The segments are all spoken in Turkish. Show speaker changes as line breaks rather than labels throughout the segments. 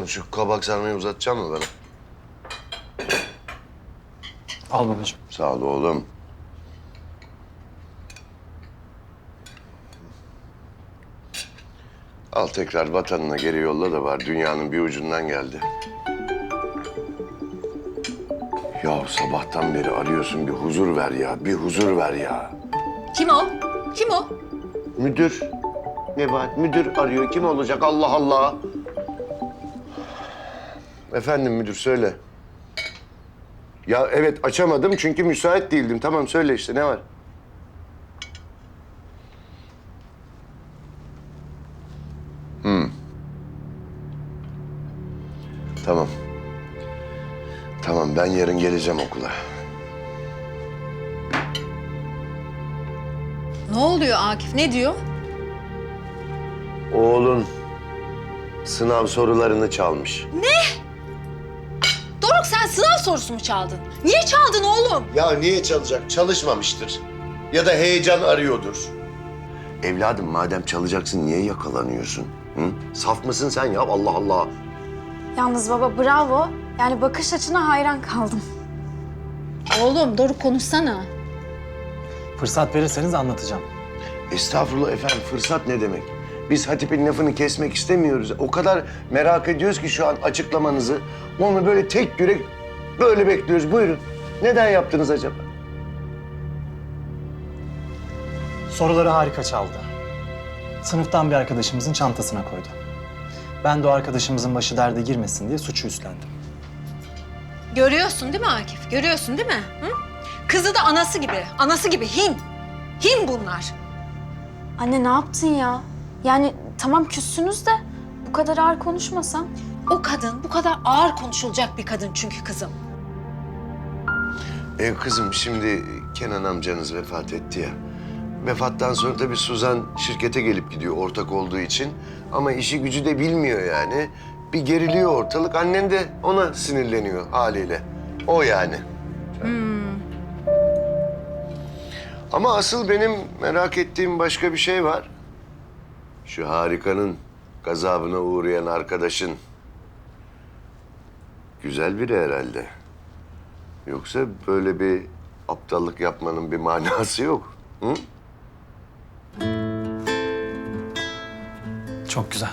Oğlum şu kabak sarmayı uzatacak mı bana?
Al babacığım.
Sağ ol oğlum. Al tekrar vatanına geri yolla da var. Dünyanın bir ucundan geldi. Ya sabahtan beri arıyorsun, bir huzur ver ya. Bir huzur ver ya.
Kim o? Kim o?
Müdür. Nebahat, müdür arıyor. Kim olacak? Allah Allah. Efendim müdür, söyle. Ya evet, açamadım çünkü müsait değildim. Tamam, söyle işte, ne var? Tamam. Tamam, ben yarın geleceğim okula.
Ne oluyor Akif? Ne diyor?
Oğlun sınav sorularını çalmış.
Doruk, sen sınav sorusu mu çaldın? Niye çaldın oğlum?
Ya niye çalacak? Çalışmamıştır. Ya da heyecan arıyordur. Evladım, madem çalacaksın niye yakalanıyorsun? Hı? Saf mısın sen ya? Allah Allah.
Yalnız baba bravo. Yani bakış açına hayran kaldım.
Oğlum Doruk, konuşsana.
Fırsat verirseniz anlatacağım.
Estağfurullah efendim, fırsat ne demek? Biz Hatip'in lafını kesmek istemiyoruz. O kadar merak ediyoruz ki şu an açıklamanızı. Onu böyle tek yürek böyle bekliyoruz. Buyurun. Neden yaptınız acaba?
Soruları harika çaldı. Sınıftan bir arkadaşımızın çantasına koydu. Ben de o arkadaşımızın başı derde girmesin diye suçu üstlendim.
Görüyorsun değil mi Akif? Görüyorsun değil mi? Hı? Kızı da anası gibi. Anası gibi hin. Hin bunlar.
Anne ne yaptın ya? Yani tamam küssünüz de bu kadar ağır konuşmasan.
O kadın bu kadar ağır konuşulacak bir kadın çünkü kızım.
Kızım, şimdi Kenan amcanız vefat etti ya. Vefattan sonra tabii Suzan şirkete gelip gidiyor ortak olduğu için. Ama işi gücü de bilmiyor yani. Bir geriliyor ortalık. Annen de ona sinirleniyor haliyle. O yani. Ama asıl benim merak ettiğim başka bir şey var. Şu harikanın gazabına uğrayan arkadaşın güzel biri herhalde. Yoksa böyle bir aptallık yapmanın bir manası yok. Hı?
Çok güzel.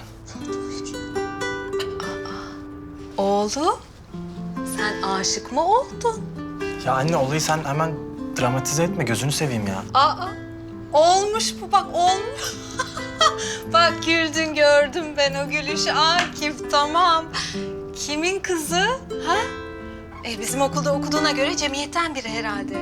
Oğlum, sen aşık mı oldun?
Ya anne olayı sen hemen dramatize etme. Gözünü seveyim ya.
Aa, olmuş bu, bak olmuş. Bak güldün, gördüm ben o gülüşü Akif, tamam. Kimin kızı? Ha? Bizim okulda okuduğuna göre cemiyetten biri herhalde.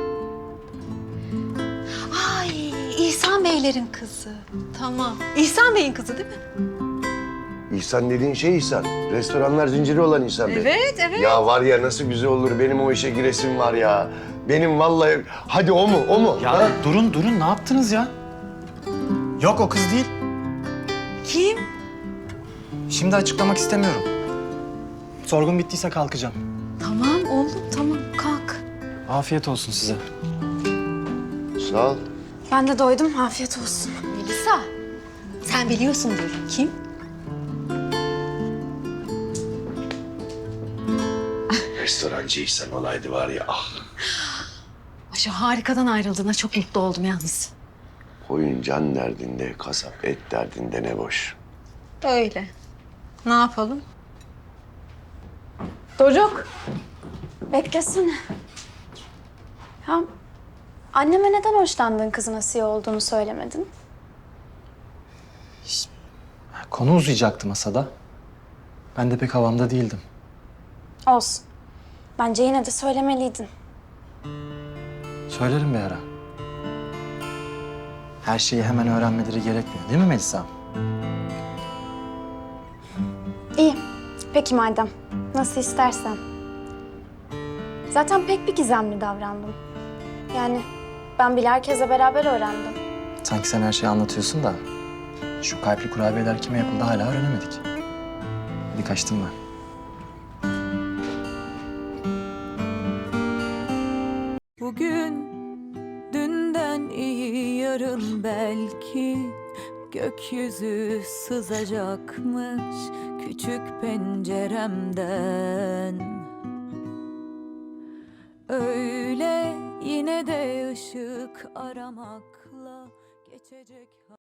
Ay, İhsan Beylerin kızı. Tamam. İhsan Bey'in kızı değil mi?
İhsan dediğin şey İhsan. Restoranlar zinciri olan İhsan Bey.
Evet, evet.
Ya var ya, nasıl güzel olur. Benim o işe giresim var ya. Benim vallahi... Hadi o mu? O mu?
Ya
Ha?
durun. Ne yaptınız ya? Yok o kız değil.
Kim?
Şimdi açıklamak istemiyorum. Sorgun bittiyse kalkacağım.
Tamam oğlum, tamam. Kalk.
Afiyet olsun size.
Sağ ol.
Ben de doydum. Afiyet olsun.
Melisa, sen biliyorsundur. Kim?
Restorancı İhsan olaydı var ya. Ah.
Şu harikadan ayrıldığına çok mutlu oldum yalnız.
Koyun can derdinde, kasap et derdinde ne boş.
Öyle. Ne yapalım?
Doruk. Beklesene. Ya anneme neden hoşlandığın kızın Asiye olduğunu söylemedin?
Konu uzayacaktı masada. Ben de pek havamda değildim.
Olsun. Bence yine de söylemeliydin.
Söylerim bir ara. Her şeyi hemen öğrenmeleri gerekmiyor değil mi Melisa?
İyi. Peki madem. Nasıl istersen. Zaten pek bir gizemli davrandım. Yani ben bile herkese beraber öğrendim.
Sanki sen her şeyi anlatıyorsun da şu kalpli kurabiyeler kime yapıldı hala öğrenemedik. Hadi kaçtım ben.
Bugün dünden iyi, yarın belki gökyüzü sızacakmış, küçük penceremden. Öyle yine de ışık aramakla geçecek.